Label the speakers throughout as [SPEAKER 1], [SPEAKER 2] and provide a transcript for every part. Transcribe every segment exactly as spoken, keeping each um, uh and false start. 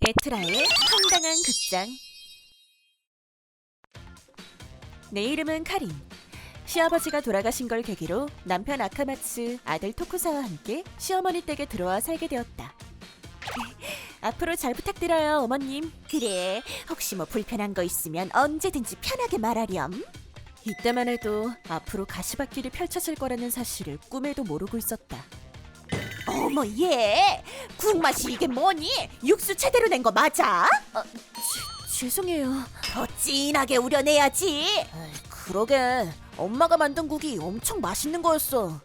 [SPEAKER 1] 에트라의 황당한 극장. 내 이름은 카린. 시아버지가 돌아가신 걸 계기로 남편 아카마츠, 아들 토쿠사와 함께 시어머니 댁에 들어와 살게 되었다. 앞으로 잘 부탁드려요, 어머님.
[SPEAKER 2] 그래, 혹시 뭐 불편한 거 있으면 언제든지 편하게 말하렴.
[SPEAKER 1] 이때만 해도 앞으로 가시밭길이 펼쳐질 거라는 사실을 꿈에도 모르고 있었다.
[SPEAKER 2] 어머, 얘 국맛이 이게 뭐니? 육수 제대로 낸 거 맞아?
[SPEAKER 1] 아, 지, 죄송해요.
[SPEAKER 2] 더 진하게 우려내야지.
[SPEAKER 1] 에이, 그러게 엄마가 만든 국이 엄청 맛있는 거였어.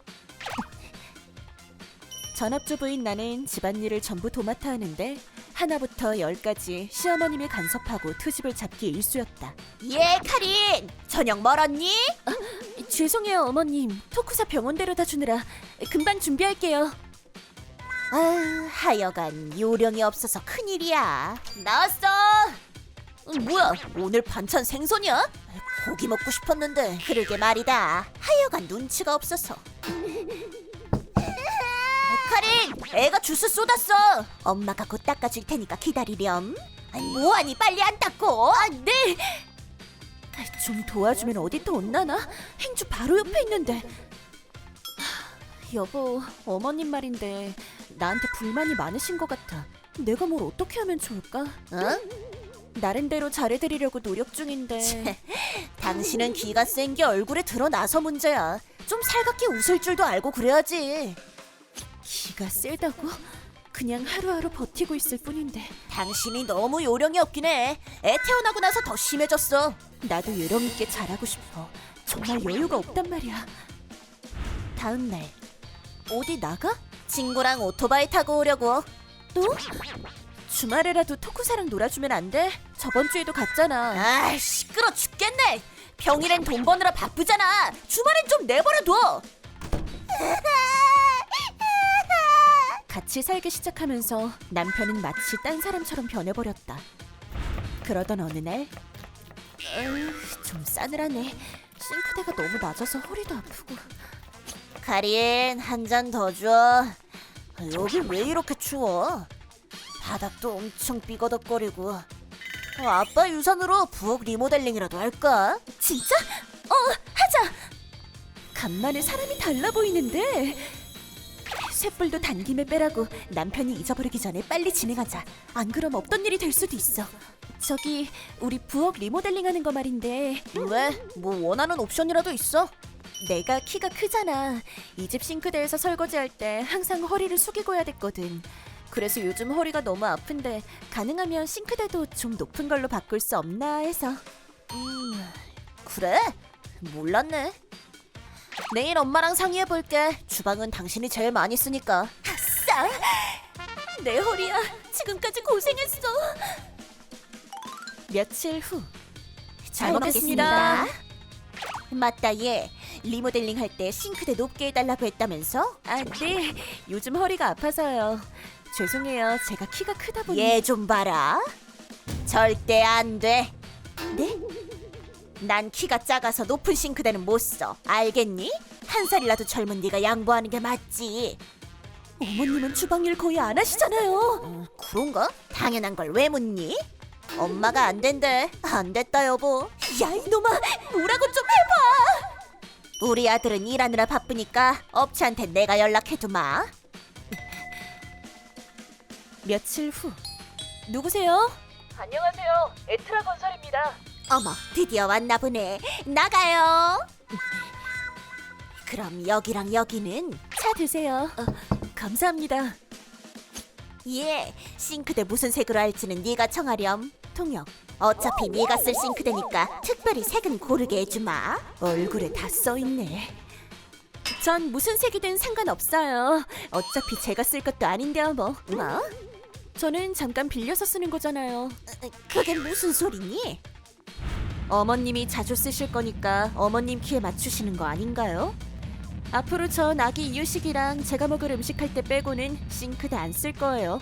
[SPEAKER 1] 전업주부인 나는 집안일을 전부 도맡아 하는데 하나부터 열까지 시어머님이 간섭하고 트집을 잡기 일쑤였다.
[SPEAKER 2] 예, 카린, 저녁 멀었니?
[SPEAKER 1] 죄송해요, 어머님. 토쿠사 병원 데려다 주느라 금방 준비할게요.
[SPEAKER 2] 아, 하여간 요령이 없어서 큰일이야.
[SPEAKER 1] 나왔어.
[SPEAKER 2] 어, 뭐야, 오늘 반찬 생선이야? 고기 먹고 싶었는데. 그러게 말이다. 하여간 눈치가 없어서. 카린, 애가 주스 쏟았어. 엄마가 곧 닦아줄 테니까 기다리렴. 아니, 뭐하니, 빨리 안 닦고.
[SPEAKER 1] 아, 네. 좀 도와주면 어디 또 온나나? 행주 바로 옆에 있는데. 하, 여보, 어머님 말인데 나한테 불만이 많으신 것 같아. 내가 뭘 어떻게 하면 좋을까?
[SPEAKER 2] 어?
[SPEAKER 1] 나름대로 잘해드리려고 노력 중인데.
[SPEAKER 2] 당신은 기가 센 게 얼굴에 드러나서 문제야. 좀 살갑게 웃을 줄도 알고 그래야지.
[SPEAKER 1] 기가 세다고? 그냥 하루하루 버티고 있을 뿐인데.
[SPEAKER 2] 당신이 너무 요령이 없긴 해. 애 태어나고 나서 더 심해졌어.
[SPEAKER 1] 나도 요령 있게 잘하고 싶어. 정말 여유가 없단 말이야. 다음 날. 어디 나가?
[SPEAKER 2] 친구랑 오토바이 타고 오려고.
[SPEAKER 1] 또? 주말에라도 토쿠사랑 놀아주면 안 돼? 저번 주에도 갔잖아.
[SPEAKER 2] 아, 시끄러 죽겠네. 평일엔 돈 버느라 바쁘잖아. 주말엔 좀 내버려둬.
[SPEAKER 1] 같이 살기 시작하면서 남편은 마치 딴 사람처럼 변해버렸다. 그러던 어느 날, 으, 좀 싸늘하네. 싱크대가 너무 낮아서 허리도 아프고.
[SPEAKER 2] 카린, 한 잔 더 줘. 여기 왜 이렇게 추워? 바닥도 엄청 삐거덕거리고. 어, 아빠 유산으로 부엌 리모델링이라도 할까?
[SPEAKER 1] 진짜? 어, 하자! 간만에 사람이 달라 보이는데. 쇳불도 단김에 빼라고. 남편이 잊어버리기 전에 빨리 진행하자. 안 그럼 없던 일이 될 수도 있어. 저기 우리 부엌 리모델링하는 거 말인데.
[SPEAKER 2] 왜? 뭐 원하는 옵션이라도 있어?
[SPEAKER 1] 내가 키가 크잖아. 이 집 싱크대에서 설거지할 때 항상 허리를 숙이고 해야 됐거든. 그래서 요즘 허리가 너무 아픈데 가능하면 싱크대도 좀 높은 걸로 바꿀 수 없나 해서.
[SPEAKER 2] 음, 그래? 몰랐네. 내일 엄마랑 상의해볼게. 주방은 당신이 제일 많이 쓰니까.
[SPEAKER 1] 아싸! 내 허리야. 지금까지 고생했어. 며칠 후.
[SPEAKER 2] 잘 먹겠습니다. 맞다, 얘. 리모델링 할 때 싱크대 높게 해달라고 했다면서?
[SPEAKER 1] 아, 네. 요즘 허리가 아파서요. 죄송해요. 제가 키가 크다 보니.
[SPEAKER 2] 얘 좀 봐라. 절대 안 돼. 네? 난 키가 작아서 높은 싱크대는 못 써. 알겠니? 한 살이라도 젊은 네가 양보하는 게 맞지.
[SPEAKER 1] 어머님은 주방일 거의 안 하시잖아요.
[SPEAKER 2] 음, 그런가? 당연한 걸 왜 묻니? 엄마가 안 된대. 안 됐다, 여보.
[SPEAKER 1] 야, 이놈아. 뭐라고 좀 해봐.
[SPEAKER 2] 우리 아들은 일하느라 바쁘니까 업체한테 내가 연락해두마.
[SPEAKER 1] 며칠 후. 누구세요?
[SPEAKER 3] 안녕하세요. 에트라 건설입니다.
[SPEAKER 2] 어머, 드디어 왔나 보네. 나가요. 그럼 여기랑 여기는?
[SPEAKER 1] 차 드세요. 어, 감사합니다.
[SPEAKER 2] 예, 싱크대 무슨 색으로 할지는 네가 정하렴.
[SPEAKER 1] 통역.
[SPEAKER 2] 어차피 네가 쓸 싱크대니까 특별히 색은 고르게 해주마.
[SPEAKER 1] 얼굴에 다 써있네. 전 무슨 색이든 상관없어요. 어차피 제가 쓸 것도 아닌데요, 뭐.
[SPEAKER 2] 뭐?
[SPEAKER 1] 저는 잠깐 빌려서 쓰는 거잖아요.
[SPEAKER 2] 그게 무슨 소리니?
[SPEAKER 1] 어머님이 자주 쓰실 거니까 어머님 키에 맞추시는 거 아닌가요? 앞으로 전 아기 이유식이랑 제가 먹을 음식 할 때 빼고는 싱크대 안 쓸 거예요.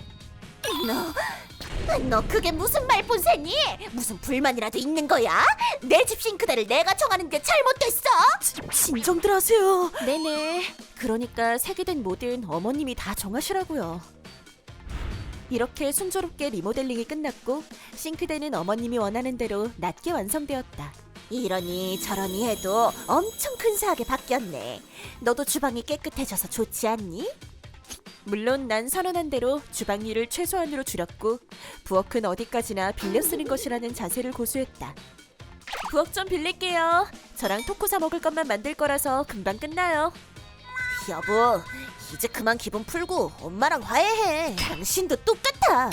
[SPEAKER 2] 너, 너 그게 무슨 말본세니? 무슨 불만이라도 있는 거야? 내 집 싱크대를 내가 정하는 게 잘못됐어?
[SPEAKER 1] 진정들 하세요. 네네. 그러니까 색이든 뭐든 어머님이 다 정하시라고요. 이렇게 순조롭게 리모델링이 끝났고 싱크대는 어머님이 원하는 대로 낮게 완성되었다.
[SPEAKER 2] 이러니 저러니 해도 엄청 근사하게 바뀌었네. 너도 주방이 깨끗해져서 좋지 않니?
[SPEAKER 1] 물론 난 선언한 대로 주방 일을 최소한으로 줄였고 부엌은 어디까지나 빌려 쓰는 것이라는 자세를 고수했다. 부엌 좀 빌릴게요. 저랑 토코 사 먹을 것만 만들 거라서 금방 끝나요.
[SPEAKER 2] 여보, 이제 그만 기분 풀고 엄마랑 화해해. 당신도 똑같아.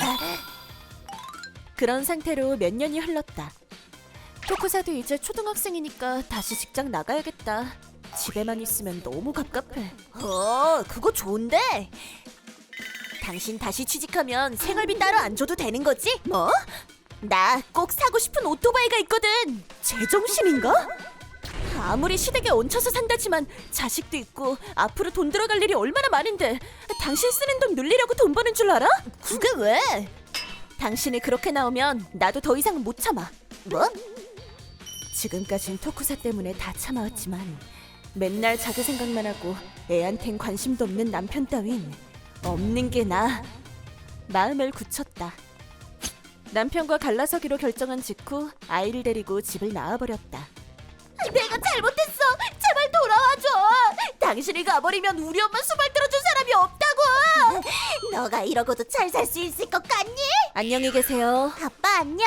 [SPEAKER 1] 그런 상태로 몇 년이 흘렀다. 토코사도 이제 초등학생이니까 다시 직장 나가야겠다. 집에만 있으면 너무 갑갑해.
[SPEAKER 2] 어, 그거 좋은데? 당신 다시 취직하면 생활비 따로 안 줘도 되는 거지?
[SPEAKER 1] 뭐?
[SPEAKER 2] 나 꼭 사고 싶은 오토바이가 있거든.
[SPEAKER 1] 제정신인가? 아무리 시댁에 얹혀서 산다지만 자식도 있고 앞으로 돈 들어갈 일이 얼마나 많은데 당신 쓰는 돈 늘리려고 돈 버는 줄 알아?
[SPEAKER 2] 그게 왜?
[SPEAKER 1] 당신이 그렇게 나오면 나도 더 이상 못 참아.
[SPEAKER 2] 뭐?
[SPEAKER 1] 지금까진 토쿠사 때문에 다 참아왔지만 맨날 자기 생각만 하고 애한텐 관심도 없는 남편 따윈 없는 게 나아. 마음을 굳혔다. 남편과 갈라서기로 결정한 직후 아이를 데리고 집을 나와버렸다.
[SPEAKER 2] 내가 잘못했어. 제발 돌아와줘. 당신이 가버리면 우리 엄마 수발 들어줄 사람이 없다고. 너가 이러고도 잘 살 수 있을 것 같니?
[SPEAKER 1] 안녕히 계세요.
[SPEAKER 2] 아빠 안녕.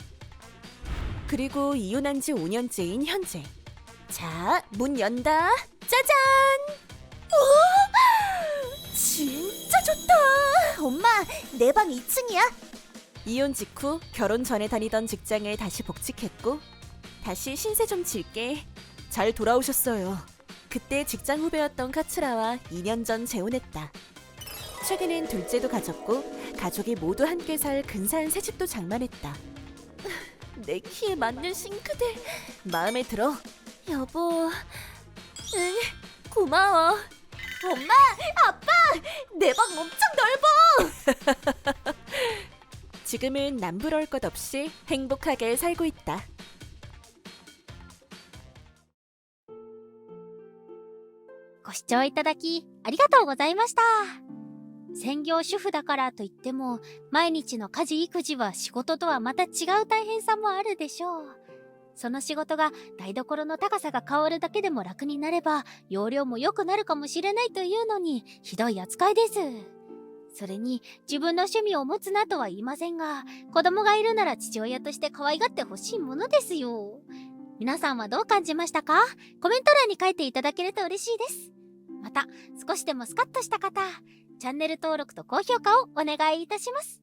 [SPEAKER 1] 그리고 이혼한 지 오 년째인 현재. 자, 문 연다. 짜잔!
[SPEAKER 2] 오, 진짜 좋다. 엄마, 내 방 이 층이야.
[SPEAKER 1] 이혼 직후 결혼 전에 다니던 직장에 다시 복직했고 다시 신세 좀 질게. 잘 돌아오셨어요. 그때 직장 후배였던 카츠라와 이 년 전 재혼했다. 최근엔 둘째도 가졌고 가족이 모두 함께 살 근사한 새집도 장만했다. 내 키에 맞는 싱크대 마음에 들어. 여보, 응, 고마워.
[SPEAKER 2] 엄마, 아빠, 내 방 엄청 넓어.
[SPEAKER 1] 지금은 남부러울 것 없이 행복하게 살고 있다.
[SPEAKER 4] ご視聴いただきありがとうございました。専業主婦だからといっても、毎日の家事育児は仕事とはまた違う大変さもあるでしょう。その仕事が台所の高さが変わるだけでも楽になれば、容量も良くなるかもしれないというのに、ひどい扱いです。それに、自分の趣味を持つなとは言いませんが、子供がいるなら父親として可愛がってほしいものですよ。皆さんはどう感じましたか？コメント欄に書いていただけると嬉しいです。また、少しでもスカッとした方、チャンネル登録と高評価をお願いいたします。